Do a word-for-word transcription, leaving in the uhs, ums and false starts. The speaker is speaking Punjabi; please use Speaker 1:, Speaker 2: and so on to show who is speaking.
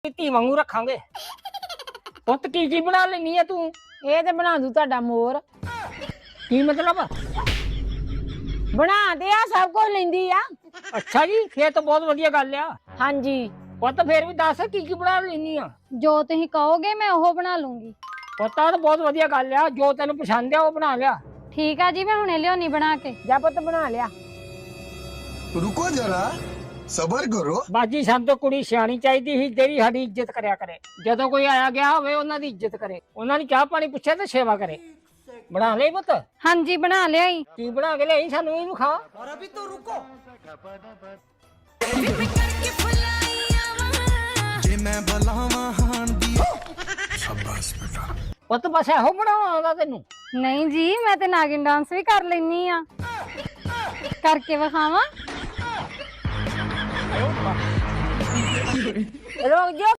Speaker 1: ਧੀ ਵਾਂਗੂ ਰੱਖਾਂਗੇ। ਪੁੱਤ ਕੀ ਕੀ ਬਣਾ ਲੈਣੀ ਆ ਤੂੰ?
Speaker 2: ਇਹ ਤੇ ਬਣਾ ਦੂ ਤੁਹਾਡਾ ਮੋਰ।
Speaker 1: ਕੀ ਮਤਲਬ?
Speaker 2: ਬਣਾ ਦੇ ਆ, ਸਭ ਕੁਝ ਲੈਂਦੀ ਆ।
Speaker 1: ਅੱਛਾ ਜੀ, ਫੇਰ ਤਾਂ ਬਹੁਤ ਵਧੀਆ ਗੱਲ ਆ।
Speaker 2: ਹਾਂਜੀ,
Speaker 1: ਪੁੱਤ ਫੇਰ ਵੀ ਦੱਸ ਕੀ ਕੀ ਬਣਾ ਲੈਣੀ ਆ?
Speaker 2: ਜੋ ਤੁਸੀਂ ਕਹੋਗੇ ਮੈਂ ਉਹ ਬਣਾ ਲੂੰਗੀ।
Speaker 1: ਪੁੱਤ ਆ ਤਾਂ ਬਹੁਤ ਵਧੀਆ ਗੱਲ ਆ, ਜੋ ਤੈਨੂੰ ਪਸੰਦ ਆ ਉਹ ਬਣਾ ਲਿਆ।
Speaker 2: ਠੀਕ ਆ ਜੀ, ਮੈਂ ਹੁਣੇ ਲਿਆਉਣੀ ਬਣਾ ਕੇ। ਜਾ ਪੁੱਤ ਬਣਾ ਲਿਆ।
Speaker 3: रुको जरा सबर करो।
Speaker 1: ਬਾਜੀ ਸਾਨੂੰ ਤਾਂ ਕੁੜੀ ਸਿਆਣੀ ਚਾਹੀਦੀ ਸੀ, ਜਿਹੜੀ ਸਾਡੀ ਇੱਜ਼ਤ ਕਰਿਆ ਕਰੇ। ਜਦੋਂ ਕੋਈ ਆਇਆ ਗਿਆ ਹੋਵੇ ਉਹਨਾਂ ਦੀ ਇੱਜ਼ਤ ਕਰੇ, ਉਹਨਾਂ ਦੀ ਚਾਹ ਪਾਣੀ ਪੁੱਛੇ ਤੇ ਸੇਵਾ ਕਰੇ। ਬਣਾ ਲਈ ਪੁੱਤ?
Speaker 2: ਹਾਂਜੀ ਬਣਾ ਲਿਆਈ।
Speaker 1: ਕੀ ਬਣਾ ਕੇ ਲਿਆਈ ਸਾਨੂੰ ਵੀ ਵਿਖਾ। ਪੁੱਤ ਬਸ ਇਹੋ ਬਣਾਉਣਾ ਆਉਂਦਾ ਤੈਨੂੰ?
Speaker 2: ਨਹੀਂ ਜੀ, ਮੈਂ ਤੇ ਨਾਗਿਨ ਡਾਂਸ ਵੀ ਕਰ ਲੈਣੀ ਆ। ਕਰਕੇ ਵਿਖਾਵਾਂ?
Speaker 1: ਰੁਕ ਜਾ।